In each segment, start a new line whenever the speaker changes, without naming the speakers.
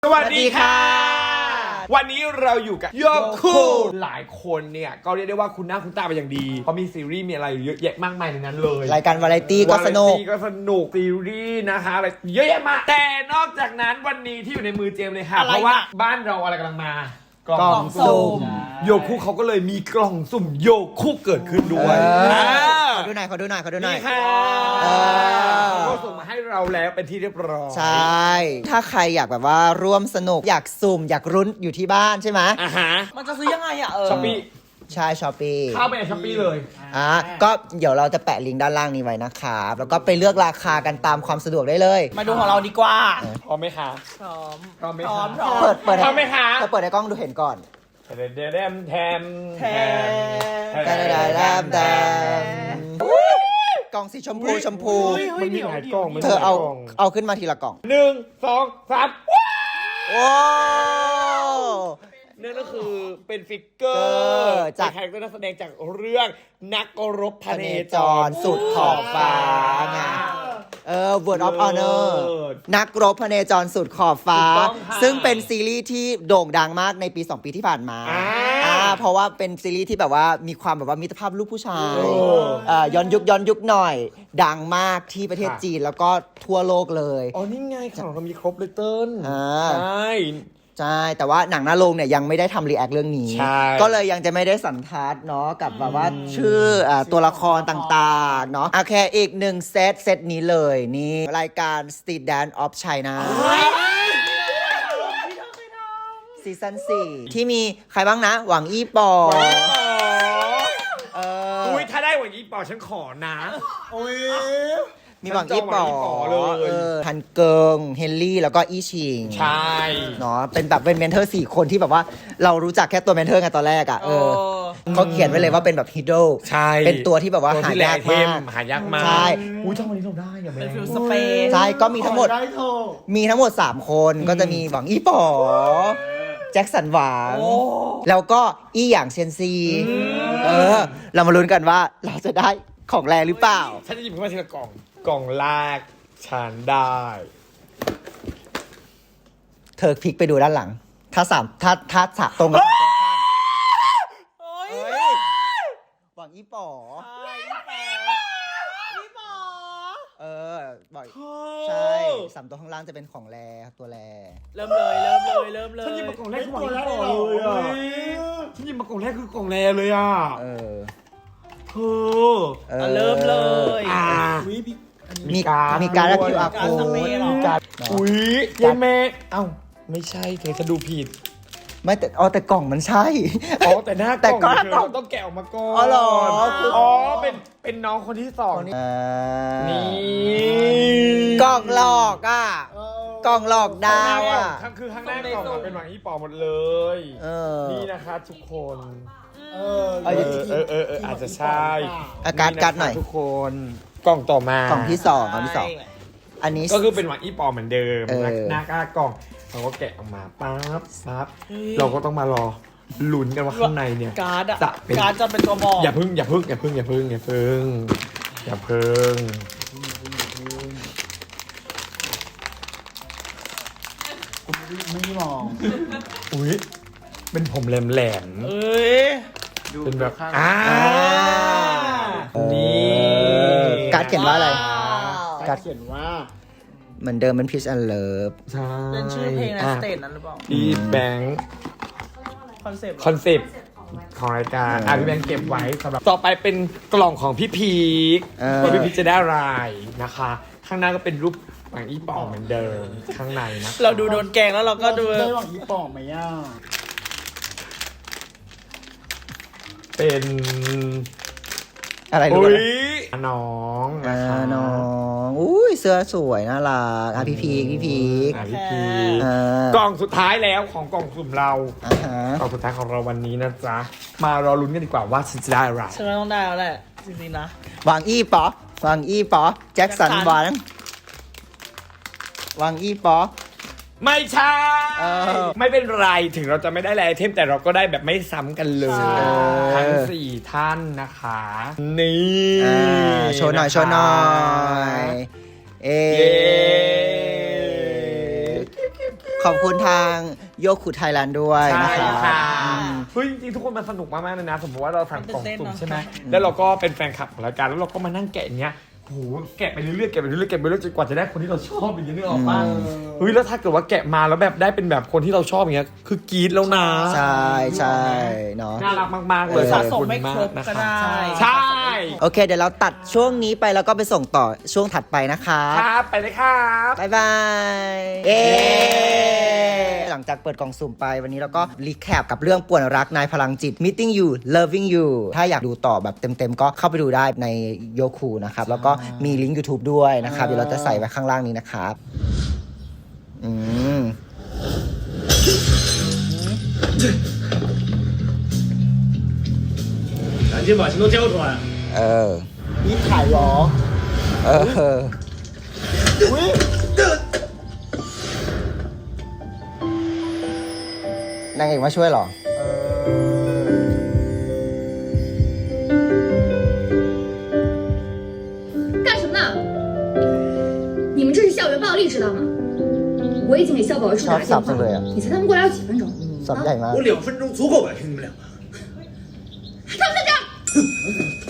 สวัสดีค่ะวันนี้เราอยู่กับโยคูหลายคนเนี่ยก็เรียกได้ว่าคุณหน้าคุณตาไปอย่างดีเพราะมีซีรีส์มีอะไรเยอะแยะมากมายในนั้นเลย
รายการวาไรตี้ก็สนุก
ซีรีส์นะคะอะไรเยอะแยะมากแต่นอกจากนั้นวันนี้ที่อยู่ในมือเจมเลยค่ะเพราะว่าบ้านเราอะไรกำลังมาก
ล่องสุ่ม
โยคุเขาก็เลยมีกล่องสุ่มโยคุเกิดขึ้นด้วย
ขอดูหน่อย
นี่ค่ะเขาก็ส่งมาให้เราแล้วเป็นที่เรียบร้อย
ใช่ถ้าใครอยากแบบว่าร่วมสนุกอยากสุ่มอยากรุ้นอยู่ที่บ้านใช่ไหม
มันจะซื้อยังไงอ่ะ
ช้อปปี้
ใช่ช้อปปี้
เข้าไปในช้อปปี้เลย
ก็เดี๋ยวเราจะแปะลิงก์ด้านล่างนี้ไว้นะครับแล้วก็ไปเลือกราคากันตามความสะดวกได้เลย
มาดูของเราดีกว่า
พร้อมไหมคะ
พร้อม
พร้อมไหม
คะ
เปิด
พร้อมไหมคะ
เปิดในกล้องดูเห็นก่อนกล่องสีชมพู
มันมีหลายกล่อง
เธอเอาขึ้นมาทีละกล่อง
1 2 3
โอ้
นั่นก็คือเป็นฟิกเกอร์จากใครก็นักแสดงจากเรื่องนักรบพเนจร
สุดขอบฟ้าไงWord of Honor นักรบพเนจรสุดขอบฟ้าซึ่งเป็นซีรีส์ที่โด่งดังมากในปี 2 ปีที่ผ่านมาเพราะว่าเป็นซีรีส์ที่แบบว่ามีความแบบว่ามิตรภาพลูกผู้ชายย้อนยุคหน่อยดังมากที่ประเทศจีนแล้วก็ทั่วโลกเลย
อ๋อนี่ไงของเรามีครบเลยเติ้ล
ใช่แต่ว่าหนังหน้าโรงเนี่ยยังไม่ได้ทำรีแอคเรื่องนี้ก็เลยยังจะไม่ได้สันทัดเนาะกับแบบว่าชื่อตัวละครต่างๆเนาะโอเคอีกหนึ่งเซตนี้เลยนี่รายการ Street Dance of China ซีซั่น4ที่มีใครบ้างนะหวังอี้ปอ
ถ้าได้หวังอี้ปอฉันขอนะ
มีหวังอี้ปอเลยฮันเกิงเฮนรี่แล้วก็อี้ชิง
ใช่
เนาะเป็นแบบเป็นเมนเทอร์4คนที่แบบว่าเรารู้จักแค่ตัวเมนเทอร์ไงตอนแรกเขาเขียนไว้เลยว่าเป็นแบบฮีโร่เป็นตัวที่แบบว่าหายากมากใช่
ช่องวันนี้เราได้อย่า
เป็นฟิลสเปซ
ใช่ก็มีทั้งหมด3คนก็จะมีหวังอี้ปอแจ็คสันหวังแล้วก็อี้หยางเซียนซีเรามาลุ้นกันว่าเราจะได้ของแรงหรือเปล่า
ฉันจะหยิบขึ้นมาทีละกล่องแรกฉันได้
เธอพลิกไปดูด้านหลังถ้าตรงกับตรงข้างหวังอี้ป๋อบอกใช่3ตัวข้างล่างจะเป็นของแรตัวแร
เริ่มเลย
ฉันหยิบมากล่องแรกคือหวังอี้ป๋อเลยฉันหยิบมากล่องแรกคือกล่องแรเลย
เริ่มเลย
มีการและ QR code
เย้แม่ไม่ใช่เธอจะดูผิด
ไม่แต่กล่องมันใช่
แต่หน้ากล่องต้องแกะออกมาก่อน
หรอ
เป็นน้องคนที่2นี่
กล่องหลอกกล่องหลอกดาว
คือข้างหน้ากล่องเป็นหวังอี้ป๋อหมดเลยนี่นะคะทุกคนอาจจะใช่
การ์ดหน่อย
ทุกคนกล่องต่อมาก
ล่องที่2อันนี้
ก็คือเป็นหวังอี้ปอเหมือนเดิมหน้ากล่องเราก็แกะออกมาปั๊บเราก็ต้องมารอลุ้นกันว่าข้างในเนี่ย
การ์ดจะเป็นตัวบอก
อย่าพึ่ง
ไม่มอง
เป็นผมแหลมเป็นแบบนี่
การ์ดเขียนว่าอะไร
การ์ดเขียนว่า
เหมือนเดิมเป็น Peace and Love
ใช่
เป็นชื่อเพลงในสเตจนั้นหรือเปล่า
พี่แบงค์
คอนเซปต์
ของรายการพี่แบงค์เก็บไว้สำหรับต่อไปเป็นกล่องของพี่พีคพี่พีคจะได้อะไรนะคะข้างหน้าก็เป็นรูปหวังอี้ป๋อเหมือนเดิมข้างในนะ
เราดูโดนแกงแล้วเราก็ดู
ได้หวังอี้ป๋อไหม
เป็น
อะไรรู้ไหม
น้อง
เสื้อสวยน่ารักพี่พี
กล่องสุดท้ายแล้วของกล่องสุ่มเรากล่องสุดท้ายของเราวันนี้นะจ๊ะมารอลุ้นกันดีกว่าว่าฉันจะได้อะไร
ฉันต้องได้แล้วแหละจริงๆนะ
หวังอี้ป๋อแจ็คสันหวังอี้ป๋อ
ไม่ใช่ไม่เป็นไรถึงเราจะไม่ได้ไอเทมแต่เราก็ได้แบบไม่ซ้ำกันเลยทั้ง4ท่านนะคะนี่
โชว์หน่อยขอบคุณทางโยคุไทยแลนด์ด้วย
ใช่
นะคะ
ค่ะ
อืม
เฮ้ยจริงๆทุกคนมันสนุกมากๆเลยนะ สมมติว่าเราสั่งกล่อง
มันตื่นเต้น
สุ่ม
เนอะ
ใช่ไหมแล้วเราก็เป็นแฟนคลับของรายการแล้วเราก็มานั่งแกะอย่างเงี้ยโหแกะไปเรื่อยๆแกะไปเรื่อยๆแกะไปเรื่อยๆจนกว่าจะได้คนที่เราชอบอย่างเงี้ยนึกออกปะเฮ้ยแล้วถ้าเกิดว่าแกะมาแล้วแบบได้เป็นแบบคนที่เราชอบอย่างเงี้ยคือกรี๊ดแล้วนะ
ใช่ใช่เนาะ
น่ารักมากๆเลย
สะ
ขอบ
สม
คุณ
ไม่ครบ
ากนะ
ก็
คะ
ได้
ใช่
โอเค เดี๋ยวเราตัดช่วงนี้ไปแล้วก็ไปส่งต่อช่วงถัดไปนะคะ
ครับไปเลยครับ
บ๊ายบายเย้หลังจากเปิดกล่องสุ่มไปวันนี้เราก็รีแคปกับเรื่องป่วนรักนายพลังจิต meeting you loving you ถ้าอยากดูต่อแบบเต็มๆก็เข้าไปดูได้ในโยคูนะครับ แล้วก็มีลิงก์ YouTube ด้วยนะครับ เดี๋ยวเราจะใส่ไว้ข้างล่างนี้นะครับ
赶紧把钱都交出来！
นี่ถ่ายหรอ นางเอกมาช่วยเหรอ
干什么呢？你们这是校园暴力，知道吗？我已经给校保卫处打了电话
上次了，
你猜他们过来要几分钟？
สับใหญ่มาก
我2分钟足够摆平你们两个。
他们在这儿。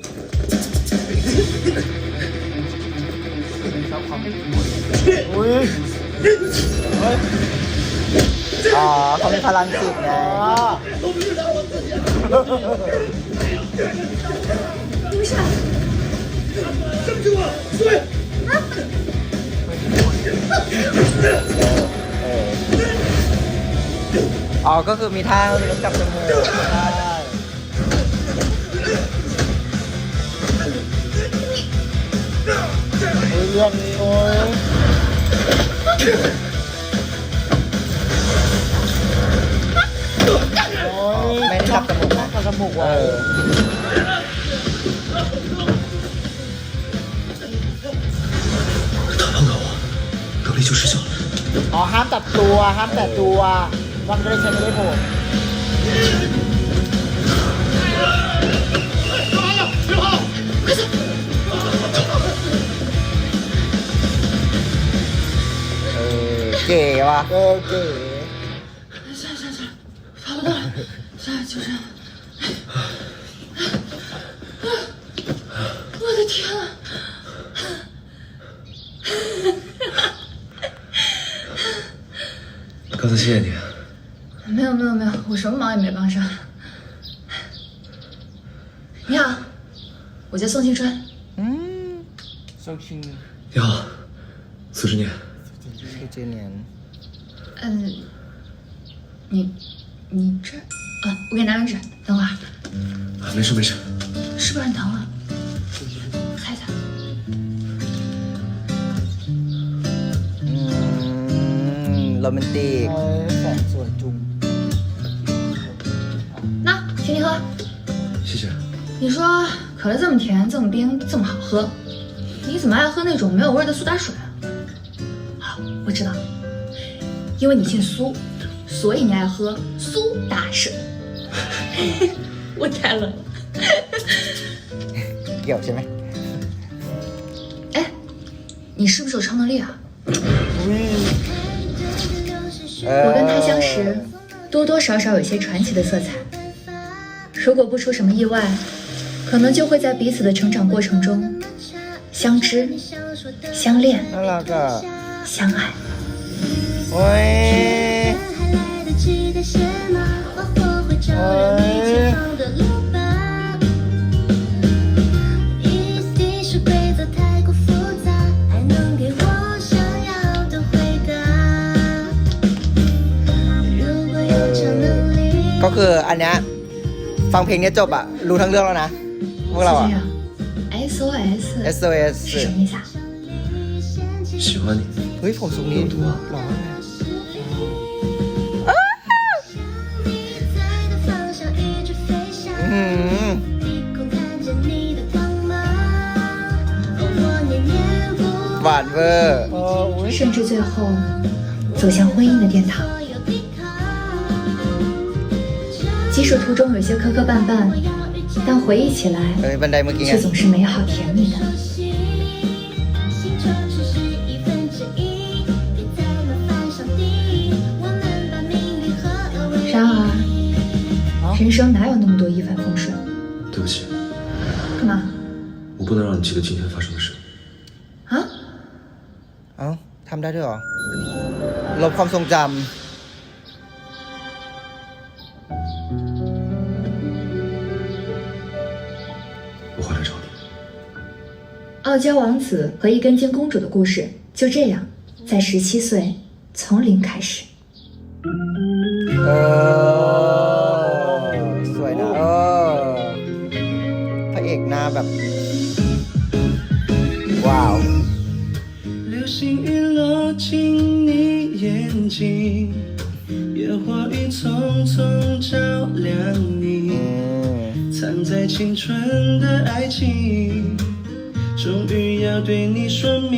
อ๋อเขามีพลังจิตไง
没事。
อ๋อ ก็คือมีท่ามีรถจับจมูกใช่เรื่องนี้โอ้ยไม่ได้จับจมูกนะ
จมูกว่ะ
隔离就失效了。
อ๋อห้ามจับตัวห้ามแตะตัวมันก็เลยใช้ไม่ได้ผล
เก๋ว่ะเก๋
跑不动了，就这样。我的天啊！
刚才谢谢你。
没有，我什么忙也没帮上。你好，我叫宋青春。
โซคิง
你好，苏志念。
ชื่อเจเนียน
你这我给你拿张纸，等会儿。
没事没事。
是不是很疼啊？擦一擦。
โรแมนติก
แสงสวยจุง
那，请你喝。
谢谢。
你说可乐这么甜，这么冰，这么好喝，你怎么爱喝那种没有味儿的苏打水啊？好，我知道，因为你姓苏，所以你爱喝苏打水。我猜了。
เกี่ยวใช่ไหม
哎，你是不是有超能力啊？我跟他相识，多多少少有些传奇的色彩。如果不出什么意外，可能就会在彼此的成长过程中相知、相恋、
น่ารักอ่ะ
相爱。
โอ้ยก็คืออันเนี้ยฟังเพลงเนี้ยจบอะรู้ทั้งเรื่องแล้วนะ พวกเราอะ
SOS
SOS
是什么意思啊？
喜欢你。
เฮ้ยผมทรงนี้หรอ หวานเวอร์
甚至最后走向婚姻的殿堂。即使途中有些磕磕绊绊，但回忆起来
เอ้ยบันไดเมื่อกี้ไง
却总是美好甜蜜的。 然而，人生哪有那么多一帆风顺？
对不起，
干嘛？
我不能让你记得今天发生的事。
啊？
เอ้าทำได้ด้วยเหรอ ลบความทรงจ
我回来找你。
傲娇王子和一根筋公主的故事就这样，在17岁从零开始。
ำสวยนะพระเอกหน้าแบบ ว้าว
流星雨落进你眼睛，野花雨匆匆照亮你，藏在青春的爱情，终于要对你说明。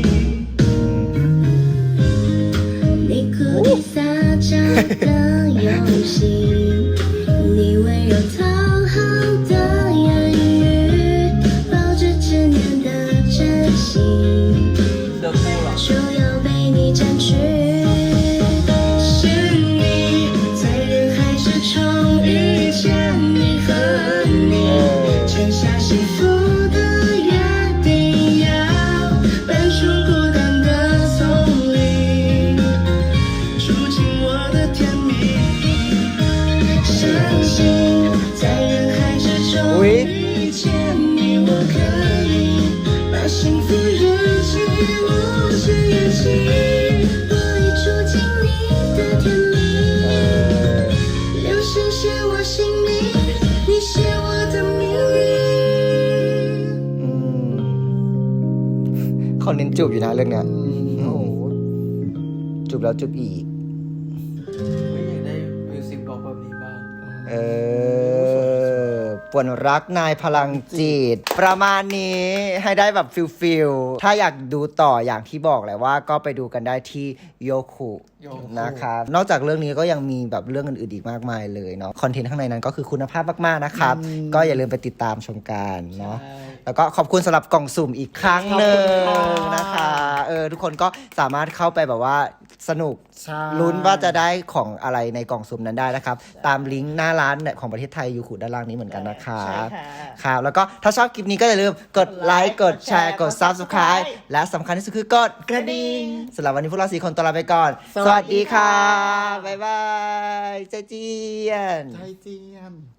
你故意撒娇的游戏，你温柔讨好的言语，抱着执念的真心，就要被你占据。是你在人海之中遇见你和你，签下幸福的约定，要搬出孤单的丛林，住进我的甜蜜。相信在人海之中遇见你，我可以把幸福日记无限延期。我已住进你的甜蜜，流星写我姓名，你写我的命运。
เขาเน้นจูบอยู่นะเรื่องเนี้ยจูบแล้วจูบอีก
ไม่อยากได้มิวสิกบล็อกแบบนี้บ้าง
ป่วนรักนายพลังจิต ประมาณนี้ให้ได้แบบฟิลถ้าอยากดูต่ออย่างที่บอกแหละว่าก็ไปดูกันได้ที่โยคุนะครับนอกจากเรื่องนี้ก็ยังมีแบบเรื่องอื่นๆอีกมากมายเลยเนาะคอนเทนต์ข้างในนั้นก็คือคุณภาพมากๆนะครับ ก็อย่าลืมไปติดตามชมกันเนาะแล้วก็ขอบคุณสำหรับกล่องสุ่มอีกครั้งหนึ่งนะคะทุกคนก็สามารถเข้าไปแบบว่าสนุก
ใช่
ลุ้นว่าจะได้ของอะไรในกล่องสุ่มนั้นได้นะครับ ตามลิงก์หน้าร้านของประเทศไทยยูคุด้านล่างนี้เหมือนกันนะครับครับแล้วก็ถ้าชอบคลิปนี้ก็อย่าลืมกดไลค์กดแชร์กด Subscribe และสำคัญที่สุดคือกดกระดิ่งสำหรับวันนี้พวกเรา4คนตัวลาไปก่อน สวัสดีค่ะ บ๊ายบายใจเจียน
ไทยเจียน